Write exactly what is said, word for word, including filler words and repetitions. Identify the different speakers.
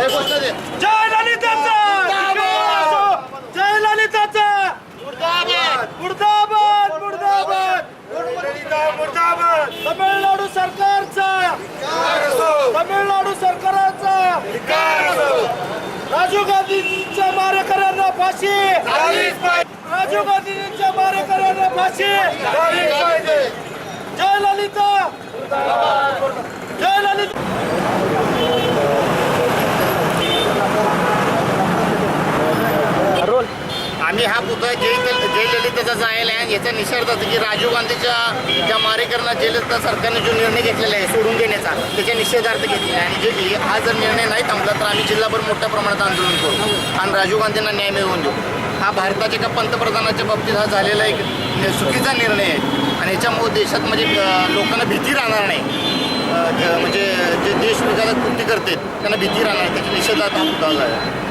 Speaker 1: जय ललिताचा जय ललिताचा मुर्दाबाद मुर्दाबाद मुर्दाबाद तमिळनाडू सरकारचा तमिळनाडू सरकारचा राजीव गांधींच्या मारेकऱ्यांना फाशी राजीव गांधींच्या मारेकऱ्यांना फाशी जय ललिता जय ललिता
Speaker 2: आम्ही हा पुतळा जय जयललिताचा जायला आहे याचा निषेध होता की राजीव गांधीच्या ज्या मारेकरांना जयललिता सरकारने जो निर्णय घेतलेला आहे सोडून देण्याचा त्याच्या निषेधार्थ घेतलेला आहे आणि जे हा जर निर्णय नाही थांबला तर आम्ही जिल्हाभर मोठ्या प्रमाणात आंदोलन करू आणि राजीव गांधींना न्याय मिळवून देऊ. हा भारताच्या एका पंतप्रधानाच्या बाबतीत हा झालेला एक चुकीचा निर्णय आहे आणि याच्यामुळे देशात म्हणजे लोकांना भीती राहणार नाही. म्हणजे जे देश विकासात कृती करतात त्यांना भीती राहणार त्याच्या निषेधार्थ हा पुतळा आहे.